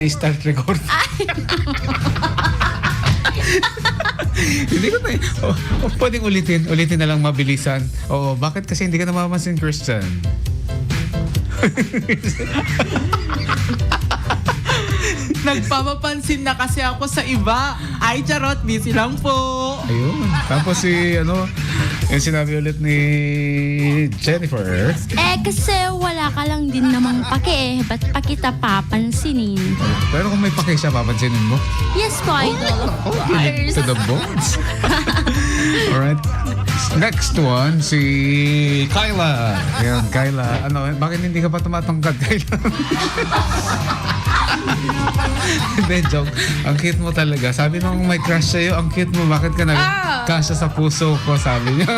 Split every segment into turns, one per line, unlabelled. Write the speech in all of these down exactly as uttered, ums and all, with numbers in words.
Start record. Hindi ko na eh. Oh, oh, pwedeng ulitin. Ulitin na lang mabilisan. Oo, bakit kasi hindi ka namamansin, Christian?
Nagpapapansin na kasi ako sa iba. Ay, charot, busy lang po.
Ayun. Tapos si, ano, yung sinabi ulit ni Jennifer.
Eh, kasi wala ka lang din namang pake eh. Ba't pa kita papansinin?
Pero kung may pake siya, papansinin mo.
Yes po, idol. Of
Okay,
course.
to the bones. Alright. Next one, si Kyla. Ayan, Kyla. Ano, bakit hindi ka pa tumatangkad, Kyla? Hindi, joke. Ang cute mo talaga. Sabi nung may crush sa'yo, ang cute mo. Bakit ka nag-kasya sa puso ko, sabi niya.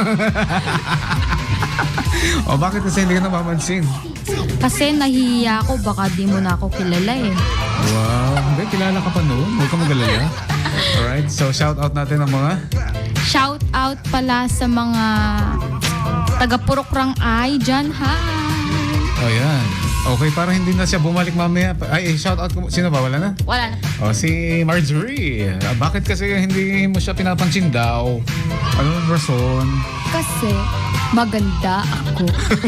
O, bakit kasi hindi ka napapansin?
Kasi nahihiya ako, baka di mo na ako kilala eh.
Wow. Hindi, kilala ka pa noon. Huwag ka magalala. Alright, so shout out natin ang mga...
Shout out pala sa mga taga-Purukrang ay dyan, hi!
Oh, yan. Okay, para hindi na siya bumalik mamaya. Ay, eh, shout out ko. Sino ba? Wala na?
Wala na.
Oh, si Marjorie. Ah, bakit kasi hindi mo siya pinapansin daw? Anong rason?
Kasi maganda ako.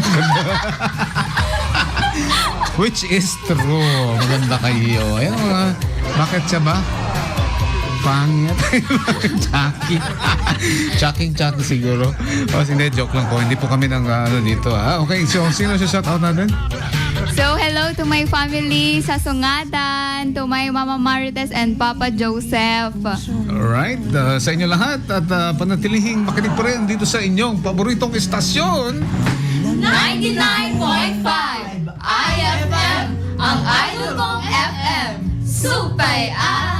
Which is true. Maganda kayo. Ayan mga, bakit siya ba? Pangit. Chucky. Chucking Chucky siguro. O, hindi, joke lang po. Hindi po kami ng ano dito. Ha? Okay, so sino siya shout out natin?
So, hello to my family sa Sungatan, to my Mama Marites and Papa Joseph.
Alright, uh, sa inyo lahat at uh, panatilihing makinig pa rin dito sa inyong paboritong istasyon.
ninety-nine point five I F M, ang idol kong F M. Supay ah!